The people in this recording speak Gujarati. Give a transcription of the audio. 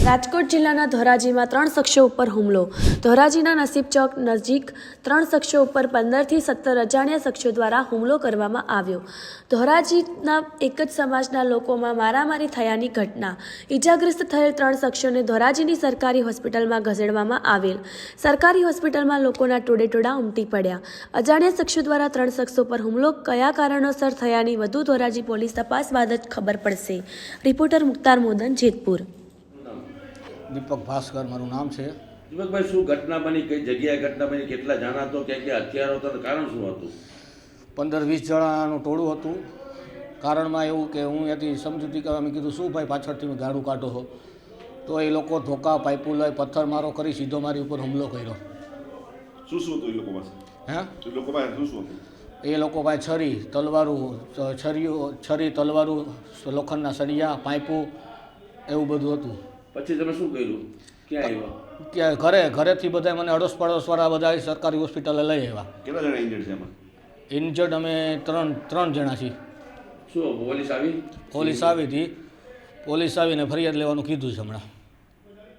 રાજકોટ જિલ્લાના ધોરાજીમાં 3 શખ્સો ઉપર હુમલો. ધોરાજીના નસીબ ચોક નજીક 3 શખ્સો ઉપર 15 થી 17 અજાણ્યા શખ્સો દ્વારા હુમલો કરવામાં આવ્યો. ધોરાજીના એક જ સમાજના લોકોમાં મારામારી થયાની ઘટના. ઈજાગ્રસ્ત થયેલ 3 શખ્સોને ધોરાજીની સરકારી હોસ્પિટલમાં ખસેડવામાં આવેલ. સરકારી હોસ્પિટલમાં લોકોના ટોળેટોળા ઉમટી પડ્યા. અજાણ્યા શખ્સો દ્વારા 3 શખ્સો પર હુમલો કયા કારણોસર થયાની વધુ ધોરાજી પોલીસ તપાસ બાદ જ ખબર પડશે. રિપોર્ટર મુખ્તાર મોદન, જેતપુર. દીપક ભાસ્કર મારું નામ છે. દીપકભાઈ, શું ઘટના બની, કઈ જગ્યાએ ઘટના બની, કેટલા જણા હતો, ક્યાં હથિયારો હતા, કારણ શું હતું? 15-20 જણાનું ટોળું હતું. કારણમાં એવું કે હું ત્યાંથી સમજૂતી કરવા મેં કીધું શું ભાઈ પાછળથી મેં ગાડું કાઢો છો, તો એ લોકો ધોકા પાઇપો લઈ પથ્થરમારો કરી સીધો મારી ઉપર હુમલો કર્યો. શું શું હતું એ લોકો પાસે? હે, એ લોકો પાસે શું શું હતું? એ લોકો પાસે છરી તલવારું, લોખંડના સળિયા, પાઇપો એવું બધું હતું. પછી તમે શું કર્યું, ક્યાં આવ્યા? કે ઘરેથી બધા મને અડોસ પડોશવાળા બધા સરકારી હોસ્પિટલે લઈ આવ્યા. કેટલા જણા ઇન્જર્ડ છે એમાં? ઇન્જર્ડ અમે ત્રણ જણા છીએ. શું પોલીસ આવી? પોલીસ આવી હતી. પોલીસ આવીને ફરિયાદ લેવાનું કીધું છે હમણાં.